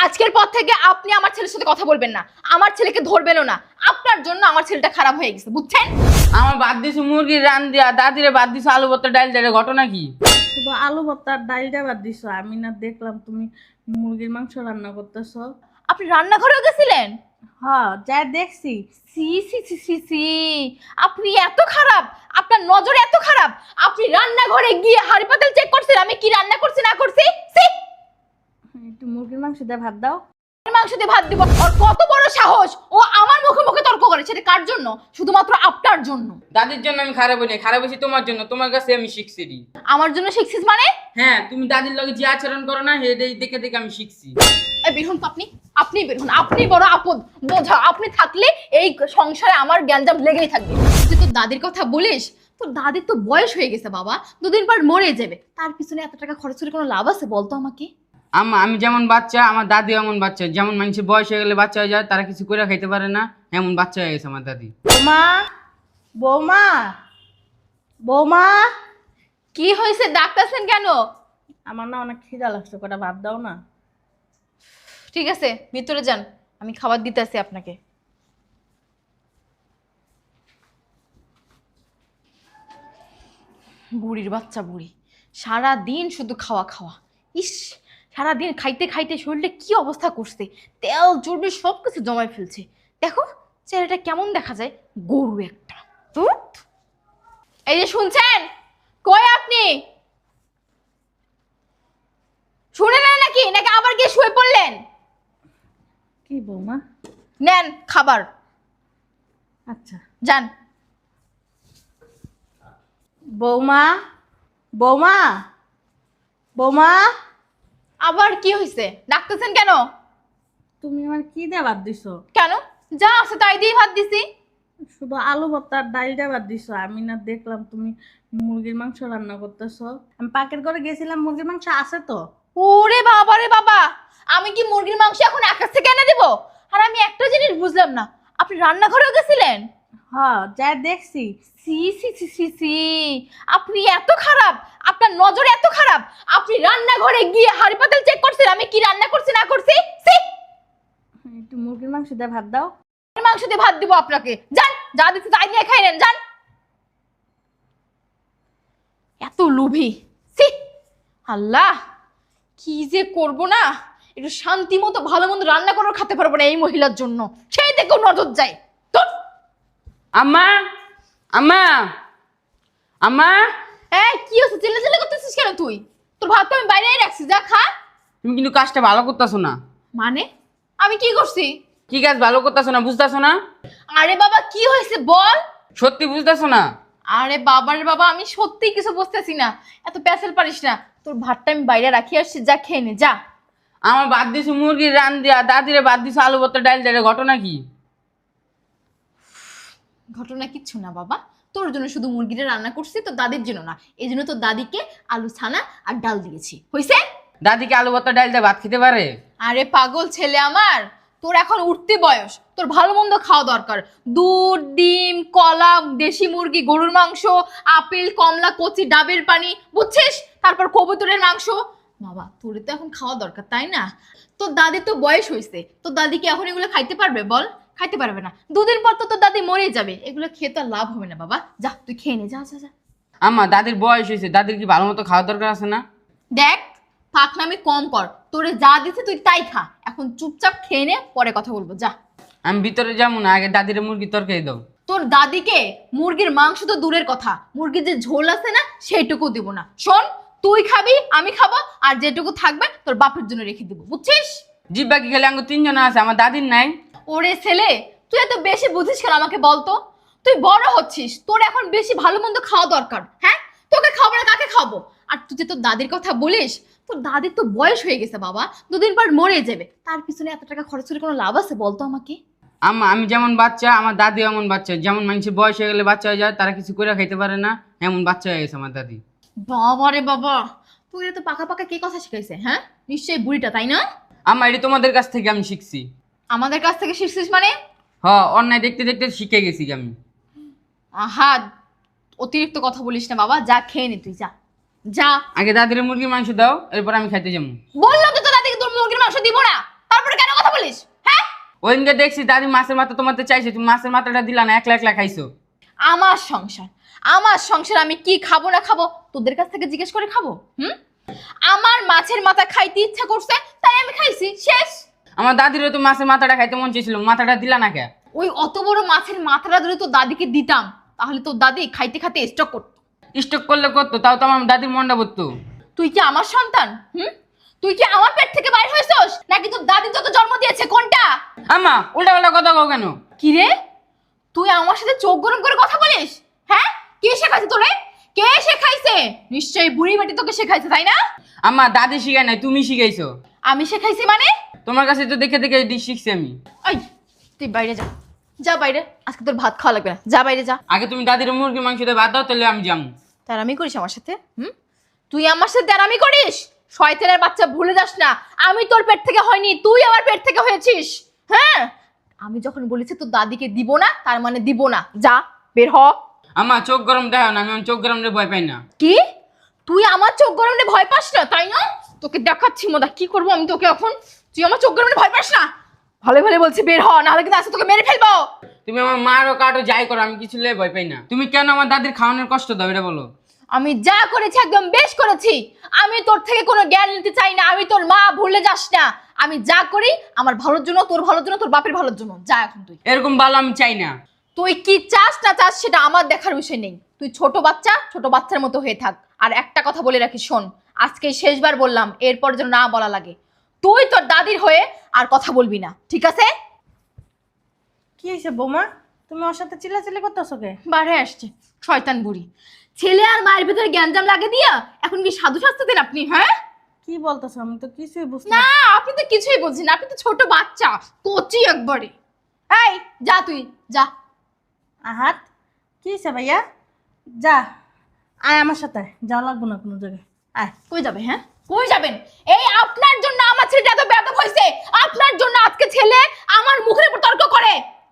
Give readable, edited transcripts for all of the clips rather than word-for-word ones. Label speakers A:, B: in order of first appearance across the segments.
A: আজকের পর থেকে আপনি আমার ছেলের সাথে কথা বলবেন না, আমার ছেলেকে ধরবেনও না। আপনার জন্য আমার ছেলেটা খারাপ হয়ে গেছে, বুঝছেন?
B: আমার বাদ দিছে মুরগির রান দিয়া, দাদিরে বাদ দিছে আলু ভর্তা ডাল দিয়া, ঘটনা কি?
C: শুধু আলু ভর্তা আর ডালটা বাদ দিছো। আমি না দেখলাম তুমি মুরগির মাংস রান্না করতেছো।
A: আপনি রান্নাঘরেও গেছিলেন?
C: হ্যাঁ, যা দেখছি।
A: সি সি সি সি সি, আপনি এত খারাপ, আপনার নজর এত খারাপ, আপনি রান্নাঘরে গিয়ে হাঁড়ি পাতিল চেক করছেন আমি কি রান্না করছি না করছি? সি!
C: একটু মুরগির মাংস দিয়ে ভাত দাও।
A: মাংস দিয়ে ভাত দিব? ওর কত বড় সাহস, ও আমার মুখে মুখে তর্ক করে। সেটা কার জন্য? শুধুমাত্র আপনার জন্য।
B: দাদির জন্য আমি খারাপ হই না, খারাপ হয়েছি তোমার জন্য। তোমার কাছে আমি শিখছি।
A: আমার জন্য শিখছিস মানে?
B: হ্যাঁ, তুমি দাদির লগে যে আচরণ করো না, হেডে দেখে দেখে আমি শিখছি।
A: এই বের হন তো আপনি, আপনি বের হন। আপনি বড় আপদ বোঝা। আপনি থাকলে এই সংসারে আমার জ্ঞানজাম লেগেই থাকবে। তুই তোর দাদির কথা বলিস, তোর দাদির তো বয়স হয়ে গেছে বাবা, দুদিন পর মরে যাবে। তার পিছনে এত টাকা খরচ করে কোনো লাভ আছে বলতো আমাকে?
B: আম্মা, আমি যেমন বাচ্চা, আমার দাদি এমন বাচ্চা। যেমন মানুষের বয়স হয়ে গেলে বাচ্চা হয়ে যায়, তারা কিছু করে খাইতে পারে না, এমন বাচ্চা হয়ে গেছে আমার দাদি।
C: বৌমা, বৌমা, বৌমা।
A: কি হয়েছে, ডাকতেছেন কেন?
C: আমার না অনেক খিদা লাগছে, কটা ভাত দাও না।
A: ঠিক আছে, ভিতরে যান, আমি খাবার দিতেছি আপনাকে। বুড়ির বাচ্চা বুড়ি, সারা দিন শুধু খাওয়া খাওয়া। ইস, সারা দিন খাইতে খাইতে শরীরে কি অবস্থা করছে, তেল চর্বি সব কিছু জমায় ফেলছে। দেখো চেহারাটা কেমন দেখা যায়, গরু একটা। তো এই যে শুনছেন, কই আপনি? শুনে নেন নাকি, নাকি আবার গিয়ে শুয়ে পড়লেন?
C: কি বৌমা?
A: নেন খাবার,
C: আচ্ছা।
A: যান।
C: বৌমা, বৌমা, বৌমা।
A: আবার কি হয়েছে, ডাকতেছেন কেন?
C: তুমি আমার কি দিয়ে ভাত দিছো?
A: কেন, যা আছে তাই দিয়ে ভাত দিছি।
C: শুধু আলু ভর্তা আর ডালটা বাদ দিছো। আমি না দেখলাম তুমি মুরগির মাংস রান্না করতেছো। আমি পাকের ঘরে গেছিলাম, মুরগির মাংস আছে তো।
A: ওরে বাবা রে বাবা, আমি কি মুরগির মাংস এখন আকাশ থেকে এনে দেবো? আর আমি একটা জিনিস বুঝলাম না, আপনি রান্নাঘরেও গেছিলেন?
C: হ্যাঁ, যা দেখছি।
A: সি সি সি সি সি, আপনি এত খারাপ, আপনার নজর এত খারাপ, আপনি রান্নাঘরে গিয়ে হাঁড়ি পাতিল চেক করছেন আমি কি রান্না করছি না করছি? সি!
C: একটু মুরগির মাংস দিয়ে ভাত দাও।
A: মাংস দিয়ে ভাত দিব আপনাকে, যান, যা দিচ্ছি তাই নিয়ে খাই নেন, যান। এত লোভী, সি! আল্লাহ, কি যে করব না, একটু শান্তি মতো ভালো মন্দ রান্না করে খেতে পারবো না এই মহিলার জন্য। সেই দেখো নজর যায়। ধুর।
B: আম্মা, আম্মা, আম্মা।
A: এই কি হচ্ছে, চিল্লা চিল্লা করতেছিস কেন তুই? তোর ভাত তো আমি বাইরেই রাখছি, যা খা।
B: তুমি কিন্তু কাজটা ভালো করতেছো না।
A: মানে আমি কি করছি?
B: কি কাজ ভালো করতেছো না, বুঝতেছো না?
A: আরে বাবা কি হয়েছে বল।
B: সত্যি বুঝতেছো না?
A: আরে বাবারে বাবা, আমি সত্যি কিছু বুঝতেছি না, এত প্যাসেল পারিস না। তোর ভাতটা আমি বাইরে রাখি আসছি, যা খেয়ে নে যা।
B: আমার বাদ দিছে মুরগির রান দিয়া, দাদিরে বাদ দিছে আলু ভর্তা ডাল দিয়া, ঘটনা কি?
A: ঘটনা কিচ্ছু না বাবা, তোর জন্য শুধু মুরগিটা রান্না করছি, তোর দাদির জন্য না। এই জন্য তোর দাদিকে আলু ছানা আর ডাল দিয়েছি, হয়েছে?
B: দাদিকে আলু ভর্তা ডাল দিয়ে ভাত খেতে পারে?
A: আরে পাগল ছেলে আমার, তোর এখন উঠতি বয়স, তোর ভালো মন্দ খাওয়া দরকার। দুধ, ডিম, কলা, দেশি মুরগি, গরুর মাংস, আপেল, কমলা, কচি ডাবের পানি, বুঝছিস? তারপর কবুতরের মাংস। বাবা তোর তো এখন খাওয়া দরকার, তাই না? তোর দাদির তো বয়স হয়েছে, তোর দাদি কি এখন এগুলো খাইতে পারবে বল? খাইতে পারবে না, দুদিন পর তো তোর দাদি মরেই যাবে। এগুলো খেয়ে তো আর লাভ হবে না বাবা, যা তুই খেয়ে নে, যা যা যা।
B: আম্মা, দাদির বয়স হয়েছে, দাদির কি ভালো মতো খাওয়া দরকার আছে না?
A: দেখ, ফাঁকনামি কম কর, তোরে যা দিছে তুই তাই খা। এখন চুপচাপ খেয়ে নে, পরে কথা বলবো, যা।
B: আমি ভিতরে যাবো না, আগে দাদিরে মুরগি তরকারি দাও।
A: তোর দাদিকে মুরগির মাংস তো দূরের কথা, মুরগির যে ঝোল আছে না সেইটুকু দিব না। শোন, তুই খাবি, আমি খাবো, আর যেটুকু থাকবে তোর বাপের জন্য রেখে দিব, বুঝছিস?
B: জিব্বা কি খেলে আঙ্গু তিনজন আছে, আমার দাদির নাই?
A: ওরে ছেলে, তুই এত বেশি বুঝিস কেন আমাকে বলতো? তুই বড় হচ্ছিস, তোর এখন বেশি ভালো মন্দ খাওয়া দরকার। হ্যাঁ, তোকে খাবো না কাকে খাবো? আর তুই যে তোর দাদির কথা বলিস, তোর দাদির তো বয়স হয়ে গেছে বাবা, দুদিন পর মরে যাবে। তার পিছনে এত টাকা খরচ করে কোনো লাভ আছে বলতো আমাকে?
B: আম্মা, আমি যেমন বাচ্চা, আমার দাদি এমন বাচ্চা। যেমন মানুষের বয়স হয়ে গেলে বাচ্চা হয়ে যায়, তারা কিছু করে খাইতে পারে না, এমন বাচ্চা হয়ে গেছে আমার দাদি।
A: বাবা রে বাবা, তুই তো পাকা পাকা কে কথা শিখাইছে? হ্যাঁ, নিশ্চয়ই বুড়িটা, তাই না?
B: আম্মা, এটি তোমাদের কাছ থেকে আমি শিখছি।
A: আমাদের কাছ থেকে শিখছিস মানে?
B: অন্যায় দেখতে দেখতে শিখে গেছি আমি।
A: আহা, অতিরিক্ত কথা বলিস না বাবা, যা খেয়ে নে তুই, যা যা।
B: আগে দাদির মুরগির মাংস দাও, এরপর আমি খাইতে যাবো।
A: বললাম তো তোর দাদিকে তোর মুরগির মাংস দিব না, তারপর
B: ওইদিনকে দেখছি দাদি মাছের মাথা তোমাদের চাইছে, তুমি মাছের মাথাটা দিলা না, একলা একলা খাইছো।
A: আমার সংসার আমি কি খাবো না খাবো তোদের কাছ থেকে জিজ্ঞেস করে খাবো? আমার মাছের মাথা খাইতে ইচ্ছা করছে তাই আমি খাইছি, শেষ।
B: আমার দাদিরও তো মাছের মাথাটা খাইতে মন চেয়েছিল, মাথাটা দিলা না কে?
A: ওই অত বড় মাছের মাথাটা ধরে তোর দাদিকে দিতাম, তাহলে তোর দাদি খাইতে খাইতে স্টক করতো।
B: স্টক করলে করতো, তাও তো আমার দাদির মনটা পড়তো।
A: তুই কি আমার সন্তান? তুই কি আমার পেট থেকে বাইর হয়েছস নাকি তোর দাদি তোকে জন্ম দিয়েছে, কোনটা?
B: আম্মা উল্টা পাল্টা কথা কও কেন?
A: কি রে, তুই আমার সাথে চোখ গরম করে কথা বলিস? হ্যাঁ, কে শেখাইছে তোরে? কে শেখাইছে? নিশ্চয়ই বুড়ি বেটি তোকে শেখাইছে, তাই না?
B: আম্মা দাদি শিখায় নাই, তুমি শিখাইছো।
A: আমি শেখাইছি মানে?
B: তোমার কাছে তো দেখে দেখে ডিশ শিখছি আমি।
A: এই তুই বাইরে যা, যা বাইরে, আজকে তোর ভাত খাওয়া লাগবে না, যা বাইরে যা।
B: আগে তুমি দাদির মুরগি মাংস দিয়ে ভাত দাও, তাহলে আমি যাবো।
A: তেরামি করিস আমার সাথে? তুই আমার সাথে তেরামি করিস? শয়তানের বাচ্চা, ভুলে যাস না আমি তোর পেট থেকে হয়নি, তুই আমার পেট থেকে হয়েছিস। হ্যাঁ, আমি যখন বলেছি তোর দাদিকে দিব না, তার মানে দিব না, যা বের হ।
B: আম্মা চোখ গরম দেখাও না, আমি চোখ গরম ভয় পাই না।
A: কি, তুই আমার চোখ গরমে ভয় পাস না, তাই না? তোকে দেখাচ্ছি মজা, কি করবো আমি তোকে এখন। তুই আমার চোখ গরমে ভয় পাস না? ভালো ভালো বলছি বের হ, নাহলে কিন্তু আজকে তোকে মেরে ফেলবো।
B: তুমি আমার মারও কাটো যাই করো, আমি কিছু লে ভয় পাই না। তুমি কেন আমার দাদির খাওয়ানোর কষ্ট দাও এটা বলো।
A: আমি যা করেছি একদম বেশ করেছি, আমি তোর থেকে কোনো জ্ঞান নিতে চাই না, আমি তোর মা, ভুলে যাস না। আমি যা করি আমার ভালোর জন্য, তোর ভালোর জন্য, তোর বাপের ভালোর জন্য। যা এখন তুই।
B: এরকম ভালো আমি চাই না।
A: তুই কি চাস না চাস সেটা আমার দেখার বিষয় নেই, তুই ছোট বাচ্চা, ছোট বাচ্চার মতো হয়ে থাক। আর একটা কথা বলে রাখি, শোন, আজকে শেষবার বললাম, এরপর যেন না বলা লাগে, তুই তোর দাদির হয়ে আর কথা বলবি না, ঠিক আছে?
C: কি হয়েছে বৌমা, তুমি ওর সাথে চিল্লাচিল্লি করতেছো কে?
A: বারে আসছে শয়তান বুড়ি, ছেলে আর মায়ের ভিতরে গ্যাঞ্জাম লাগে দিয়া এখন কি সাধু শাস্ত্রদের আপনি? হ্যাঁ,
C: কি বলতেছো, আমি তো কিছুই বুঝতে
A: না আপনি তো কিছুই বুঝছেন না, আপনি তো ছোট বাচ্চা, কচি একবারে। এই যা, তুই যা।
C: আহাত, কি হয়েছে ভাইয়া? যা, আয় আমার সাথে, যাওয়া লাগবো না কোনো জায়গায়, আয়।
A: কই যাবে? হ্যাঁ, কই যাবেন? এই আপনার জন্য আমার ছেলেটা এত বেয়াদব হয়েছে, আপনার জন্য আজকে ছেলে আমার মুখের উপর তর্ক করে।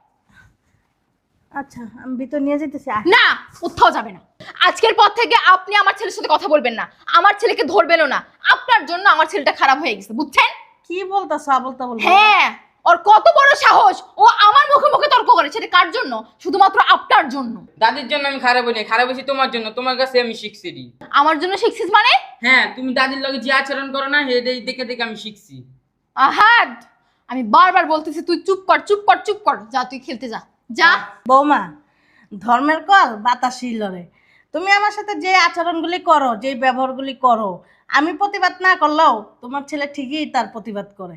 C: আচ্ছা, আমি ভিতর নিয়ে যেতেছি, আয়।
A: না, কোথাও যাবে না, আজকের পর থেকে আপনি আমার ছেলের সাথে কথা বলবেন না, আমার ছেলেকে ধরবেনও না। আপনার জন্য আমার ছেলেটা খারাপ হয়ে গেছে, বুঝছেন?
C: কি বলতেছো আবলতা বলবো?
A: হ্যাঁ, ওর কত বড় সাহস, ও আমার মুখে মুখে তর্ক করে, সেটা কার জন্য? শুধুমাত্র আপনার জন্য।
B: দাদির জন্য আমি খারাপ হই না, খারাপ হয়েছি তোমার জন্য, তোমার কাছে আমি শিখছি।
A: আমার জন্য শিখছিস মানে?
B: হ্যাঁ, তুমি দাদির লগে যে আচরণ করো না, দেখে দেখে আমি শিখছি।
A: আহাদ, আমি বারবার বলতেছি তুই চুপ কর, চুপ কর, চুপ কর, যা তুই খেলতে যা, যা।
C: বৌমা, ধর্মের কল বাতাসই লড়ে। তুমি আমার সাথে যে আচরণগুলি করো, যে ব্যবহারগুলি করো, আমি প্রতিবাদ না করলেও তোমার ছেলে ঠিকই তার প্রতিবাদ করে।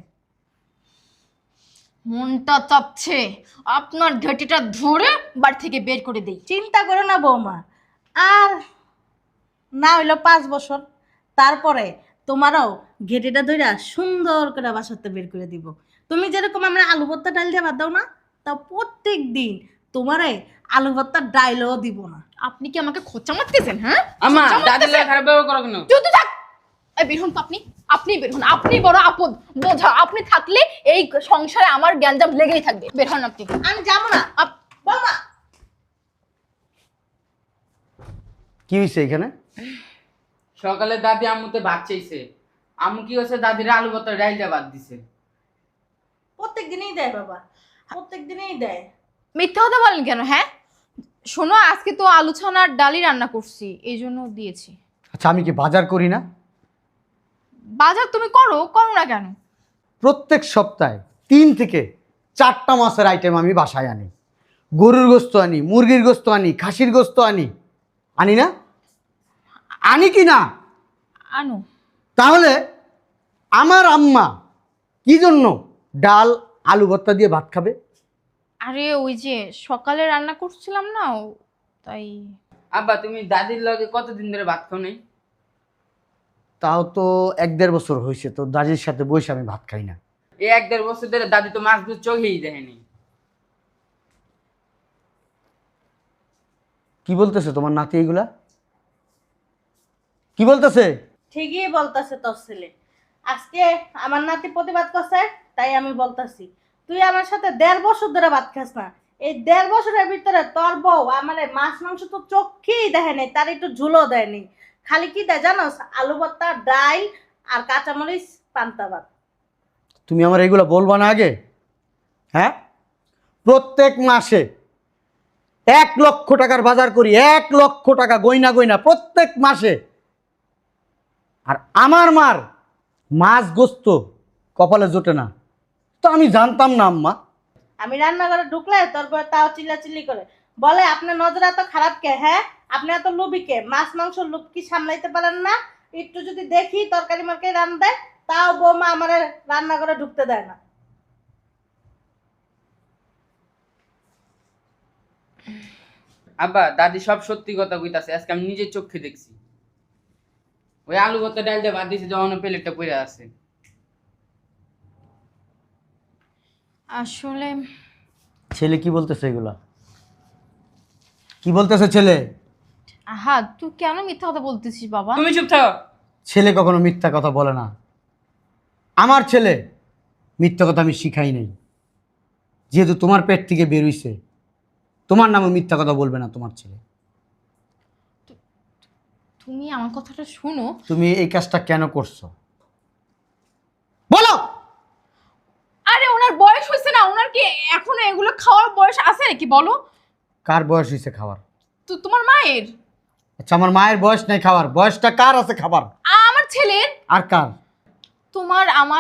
A: মনটা চাপছে আপনার ঘেটিটা ধরে বাড়ি থেকে বের করে দেই।
C: চিন্তা করো না বৌমা, আর না হইলো 5 বছর, তারপরে তোমারও ঘেটিটা ধইরা সুন্দর করে বাসাতে বের করে দিব। তুমি যেরকম আমরা আলু ভর্তা ডাল দিয়ে ভাত দাও না, তা প্রত্যেক দিন তোমারে আলু ভর্তা ডাইলও দিব না।
A: আপনি কি আমাকে খোঁচা মারতেছেন? হ্যাঁ,
B: আমা
A: খোঁচা
B: দাদির
A: মারতেছেন?
B: লগে খারাপ ব্যবহার করো কেন?
A: তুই তো থাক, এই বের হন তো আপনি, আপনি বের হন, আপনি বড় আপদ বোঝা, আপনি থাকলে এই সংসারে আমার গ্যাঞ্জাম লেগেই থাকবে। বের হন আপনি।
C: আমি যাবো না বৌমা।
D: কি হয়েছে এখানে?
B: সকালে দাদি আম্মুতে ভাত চাইছে, আম্মু কি হচ্ছে দাদির আলু ভর্তা ডাল দিয়ে ভাত দিছে।
C: প্রত্যেক দিনই দেয় বাবা, প্রত্যেক দিনই দেয়।
A: মিথ্যা কথা বলেন কেন? হ্যাঁ, শোনো, আজকে তো আলু ছানা আর ডালি রান্না করছি, এই জন্য দিয়েছি।
D: আচ্ছা, আমি কি বাজার করি না?
A: বাজার তুমি করো, করো না কেন?
D: প্রত্যেক সপ্তাহে 3 থেকে 4টা মাছের আইটেম আমি বাসায় আনি। গরুর গোস্ত আনি, মুরগির গোস্ত আনি, খাসির গোস্ত আনি, আনি না? আনি কি না?
A: আনো।
D: তাহলে আমার আম্মা কি জন্য ডাল আলু ভর্তা দিয়ে ভাত খাবে?
A: আরে ওই যে সকালে রান্না করছিলাম না, তাই।
B: আব্বা তুমি দাদির লগে কতদিন ধরে ভাত খাও নাই?
D: তাও তো 1-1.5 বছর হয়েছে, তো দাদির সাথে বসে আমি ভাত খাই না।
B: এই 1-1.5 বছর ধরে দাদি তো মাছ গুলো চোখেই দেখেনি।
D: কি বলতেছে তোমার নাতি এইগুলা? কি বলতেছে?
C: ঠিকই বলতেছে তোর ছেলে। আজকে আমার নাতি প্রতিবাদ করছে, তাই আমি বলতাছি, তুই আমার সাথে 1.5 বছর ধরে ভাত খাস না। এই 1.5 বছরের ভিতরে তোর বউ আমার মাছ মাংস তো চোখেই দেখে নাই, তার একটু ঝুলও দেয়নি। খালি কি দেয় জানোস? আলু ভর্তা, ডাল আর কাঁচামরিচ, পান্তা ভাত।
D: তুমি আমার এগুলা বলবা না আগে? হ্যাঁ, প্রত্যেক মাসে 1 লক্ষ টাকার বাজার করি, 1 লক্ষ টাকা গয়না গয়না প্রত্যেক মাসে। আর আমার মার মাছ গোস্ত কপালে জোটে না, তো আমি জানতাম না আম্মা।
C: আমি রান্নাঘরে ঢুকলে তোর বউ তাও চিল্লাচিল্লি করে বলে আপনার নজর এত খারাপ কে? হ্যাঁ, আপনি এত লোভী কে? মাছ মাংস লোভ কি সামলাইতে পারেন না? একটু যদি দেখি তরকারি মার্কারি রান্না দেয়, তাও বৌমা আমার রান্নাঘরে ঢুকতে দেয় না।
B: আব্বা দাদি সব সত্যি কথা কইতাছে, আজকে আমি নিজের চোখে দেখছি। ওই আলু ভর্তা ডাল দিয়ে ভাত দিয়েছে, যখন প্লেটটা পড়ে আছে।
A: আসলে
D: ছেলে কি বলতেছে এগুলা? কি বলতেছে ছেলে?
A: আহা, তুই কেন মিথ্যা কথা বলতেছিস বাবা?
B: তুমি চুপ থাকো।
D: ছেলে কখনো মিথ্যা কথা বলে না। আমার ছেলে মিথ্যা কথা আমি শিখাই নাই। যেহেতু তোমার পেট থেকে বেরোইছে, তোমার নামে মিথ্যা কথা বলবে না তোমার ছেলে।
A: তুমি আমার কথাটা শুনো।
D: তুমি এই কাজটা কেন করছো বলো?
A: আরে ওনার বয়স হয়েছে না, ওনার কি এখনো এগুলো খাওয়ার বয়স আছে নাকি বলো?
D: কার বয়স হয়েছে খাবার?
A: তো তোমার মায়ের।
D: আচ্ছা, আমার মায়ের বয়স নাই খাবার, বয়সটা কার আছে খাবার?
A: আমার ছেলের।
D: আর কার?
A: তোমার আমার।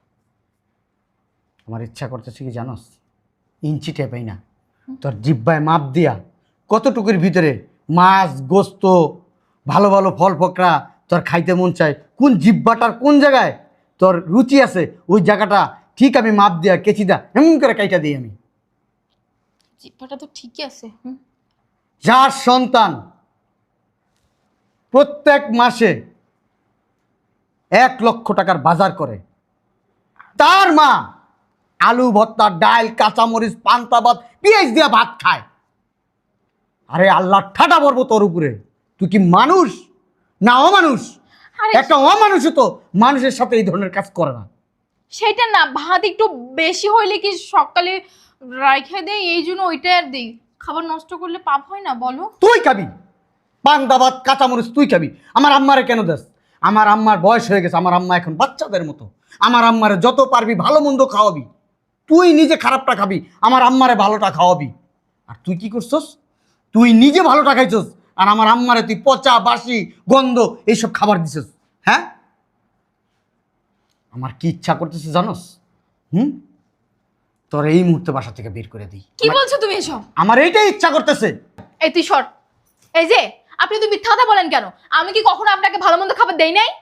D: আমার ইচ্ছা করতেছে কি জানোস? ইঞ্চি টেপাই না, তোর জিব্বায় মাপ দিয়া কতটুকুর ভিতরে মাছ গোস্ত ভালো ভালো ফল ফকরা তোর খাইতে মন চায়, কোন জিব্বাটার কোন জায়গায় তোর রুচি আছে, ওই জায়গাটা ঠিক আমি মাপ দিয়া কেচি দা এমন করে কাইটা দিই আমি।
A: জিহ্বাটা তো ঠিকই আছে।
D: যার সন্তান প্রত্যেক মাসে 1 লক্ষ টাকার বাজার করে, তার মা আলু ভর্তা ডাল কাঁচামরিচ পান্তা ভাত পেঁয়াজ দিয়া ভাত খায়। আরে আল্লাহ ঠাটা পড়বো তোর উপরে। তুই কি মানুষ না অমানুষ?
A: আরে
D: একটা অমানুষ তো মানুষের সাথে এই ধরনের কাজ করে না।
A: সেটা না, ভাত একটু বেশি হইলে কি সকালে রাইখে দেই, এই জন্য ওইটা আর দিই। খাবার নষ্ট করলে পাপ হয় না বলো?
D: তুই খাবি পান্তা ভাত কাঁচামরিচ, তুই খাবি। আমার আম্মারে কেন দেস? আমার আম্মার বয়স হয়ে গেছে, আমার আম্মা এখন বাচ্চাদের মতো। আমার আম্মারে যত পারবি ভালো মন্দ খাওয়াবি, তুই নিজে খারাপটা খাবি, আমার আম্মারে ভালোটা খাওয়াবি। আর তুই কি করছস? তুই নিজে ভালোটা খাইছস, আর আমার আম্মারে তুই পচা বাসি গন্ধ এইসব খাবার দিছস। হ্যাঁ, আমার কি ইচ্ছা করতেছে জানোস? তোর এই মুহূর্তে বাসা থেকে বের করে দিই।
A: কি বলছো তুমি এসব?
D: আমার এইটাই ইচ্ছা করতেছে।
A: এই তুই সর। এই যে আপনি তো মিথ্যা কথা বলেন কেন? আমি কি কখনো আপনাকে ভালো মন্দ খাবার দেই নাই?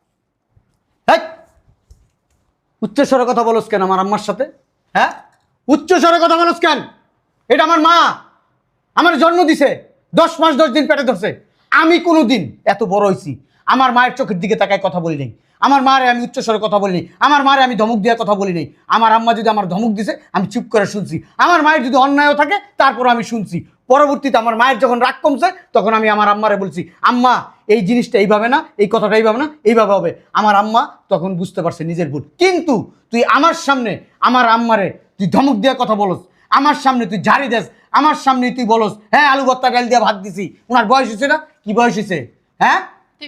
D: এই, উচ্চস্বরে কথা বলস কেন আমার আম্মার সাথে? হ্যাঁ, উচ্চস্বরে কথা বলস কেন? এটা আমার মা, আমার জন্ম দিছে, 10 মাস 10 দিন পেটে ধরছে। আমি কোনোদিন এত বড় হইছি আমার মায়ের চোখের দিকে তাকায় কথা বলি নাই। আমার মারে আমি উচ্চস্বরে কথা বলি নাই, আমার মারে আমি ধমক দিয়ে কথা বলি নাই। আমার আম্মা যদি আমার ধমক দিছে আমি চুপ করে শুনছি। আমার মায়ের যদি অন্যায়ও থাকে তারপর আমি শুনছি। পরবর্তীতে আমার মায়ের যখন রাগ কমছে তখন আমি আমার আম্মারে বলছি, আম্মা এই জিনিসটা এইভাবে না, এই কথাটা এইভাবে না, এইভাবে হবে। আমার আম্মা তখন বুঝতে পারছে নিজের ভুল। কিন্তু তুই আমার সামনে আমার আম্মারে তুই ধমক দিয়ে কথা বলস, আমার সামনে তুই ঝাড়ি দেস, আমার সামনে তুই বলস হ্যাঁ আলু ভর্তা ডাল দিয়ে ভাত দিছি। ওনার বয়স হয়েছে না? কি বয়স হয়েছে? হ্যাঁ,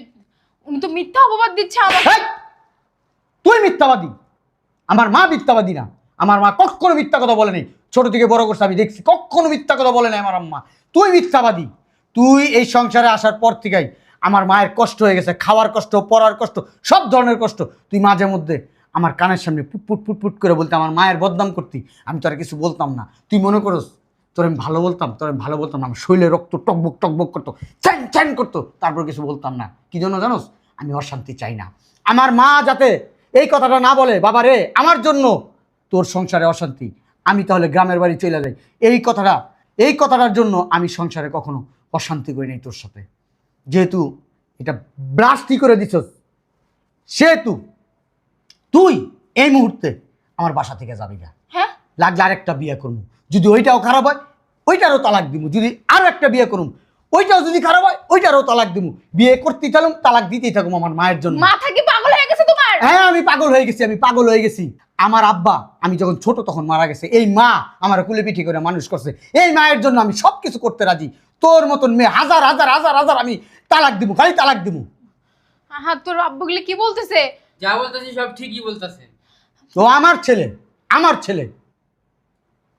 A: উনি তো মিথ্যা অপবাদ দিচ্ছে আমার।
D: হেই! তুই মিথ্যাবাদী, আমার মা মিথ্যাবাদী না। আমার মা কখনো মিথ্যা কথা বলে নাই, ছোট থেকে বড় করছে আমি দেখছি, কখনো মিথ্যা কথা বলে নাই আমার আম্মা। তুই মিথ্যাবাদী। তুই এই সংসারে আসার পর থেকেই আমার মায়ের কষ্ট হয়ে গেছে, খাওয়ার কষ্ট, পড়ার কষ্ট, সব ধরনের কষ্ট। তুই মাঝে মধ্যে আমার কানের সামনে পুট পুট পুট করে বলতে আমার মায়ের বদনাম করতি, আমি তোর কিছু বলতাম না। তুই মনে করস তোর আমি ভালো বলতাম? তোর আমি ভালো বলতাম না। আমার শরীরে রক্ত টকবক টকবক করতো, চ্যান চ্যান করতো, তারপর কিছু বলতাম না। কি জন্য জানোস? আমি অশান্তি চাই না। আমার মা যাতে এই কথাটা না বলে, বাবা রে আমার জন্য তোর সংসারে অশান্তি, আমি তাহলে গ্রামের বাড়ি চলে যাই। এই কথাটার জন্য আমি সংসারে কখনো অশান্তি করি নাই তোর সাথে। যেহেতু এটা ব্লাস্টি করে দিছস, সেহেতু তুই এই মুহূর্তে আমার বাসা থেকে যাবি না।
A: হ্যাঁ,
D: লাগলে আরেকটা বিয়ে করবো, যদি ওইটাও খারাপ হয় ওইটারও তালাক দিব। যদি আরো একটা বিয়ে করুম, ওইটাও যদি খারাপ হয় ওইটারও তালাক দিব। বিয়ে করতেই থাকুম, তালাক দিতেই থাকুম আমার মায়ের জন্য।
A: মাথা কি পাগল হয়ে গেছে তোমার?
D: হ্যাঁ, আমি পাগল হয়ে গেছি, আমি পাগল হয়ে গেছি। আমার আব্বা আমি যখন ছোট তখন মারা গেছে, এই মা আমার কুলে পিঠি করে মানুষ করছে। এই মায়ের জন্য আমি সব কিছু করতে রাজি। তোর মতন মেয়ে হাজার হাজার হাজার হাজার আমি তালাক দিব, খালি তালাক দিব।
A: আহা, তোর আব্বুগুলি কি বলতেছে?
B: যা বলতেছি সব ঠিকই বলতেছে।
D: তো আমার ছেলে, আমার ছেলে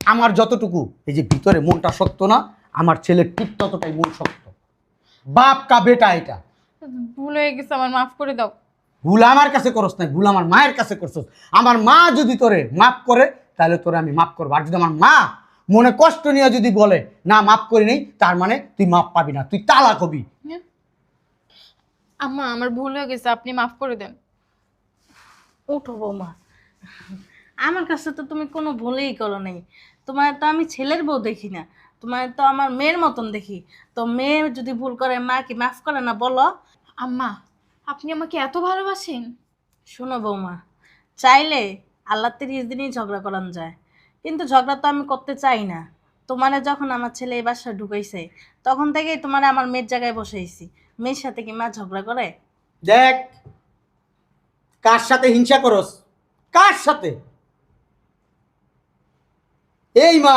D: আমার যতটুকু এই যে ভিতরে মনটা শক্ত না, আমার ছেলের ঠিক ততটাই মন শক্ত। বাপ কা বেটা এটা।
A: ভুল হয়ে গেছে, আমার মাফ করে দাও।
D: ভুল আমার কাছে করস নাই, ভুল আমার মায়ের কাছে করছস। আমার মা যদি তোরে মাফ করে তাহলে তোরে আমি মাফ করবো, আর যদি আমার মা মনে কষ্ট নিয়ে যদি বলে না মাফ করি নেই, তার মানে তুই মাফ পাবি না, তুই তালাক হবি।
A: আম্মা আমার ভুল হয়ে গেছে, আপনি মাফ করে দেন।
C: উঠো বৌমা, আমার কাছে তো তুমি কোনো ভুলেই করো নাই। তোমার তো আমি ছেলের বউ দেখি না, তোমার তো আমার মেয়ের মতন দেখি। তো মেয়ে যদি ভুল করে মা কি মাফ করে না বলো?
A: আম্মা আপনি আমাকে এত ভালোবাসেন?
C: শোনো বৌমা, চাইলে আল্লাহ 30 দিনই ঝগড়া করানো যায়, কিন্তু ঝগড়া তো আমি করতে চাই না। তোমারে যখন আমার ছেলে এই বাসায় ঢুকাইছে তখন থেকেই তোমারে আমার মেয়ের জায়গায় বসাইছি। মেয়ের সাথে কি মা ঝগড়া করে?
D: দেখ কার সাথে হিংসা করস, কার সাথে? এই মা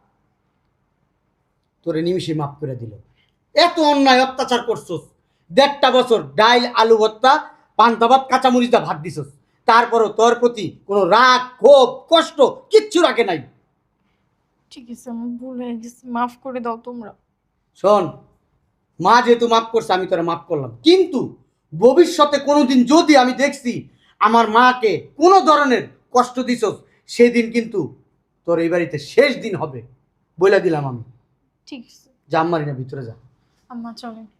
D: তোরে নিমিষে মাফ করে দিল। এত অন্যায় অত্যাচার করছস, 1.5 বছর ডাইল আলু ভর্তা পান্তা ভাত কাঁচামরিচ দা ভাত দিছস, তারপরও তোর প্রতি কোনো রাগ ক্ষোভ কষ্ট কিচ্ছু রাখে নাই।
A: ঠিক আছে, আমার ভুল হয়ে গেছে, মাফ করে দাও তোমরা।
D: শোন, মা যেহেতু মাফ করছে আমি তোরা মাফ করলাম, কিন্তু ভবিষ্যতে কোনোদিন যদি আমি দেখছি আমার মাকে কোনো ধরনের কষ্ট দিছস, সেদিন কিন্তু তোর এই বাড়িতে শেষ দিন হবে বলে দিলাম আমি।
A: ঠিক আছে
D: জাম মারি না, ভিতরে যা।
A: আম্মা চলেন।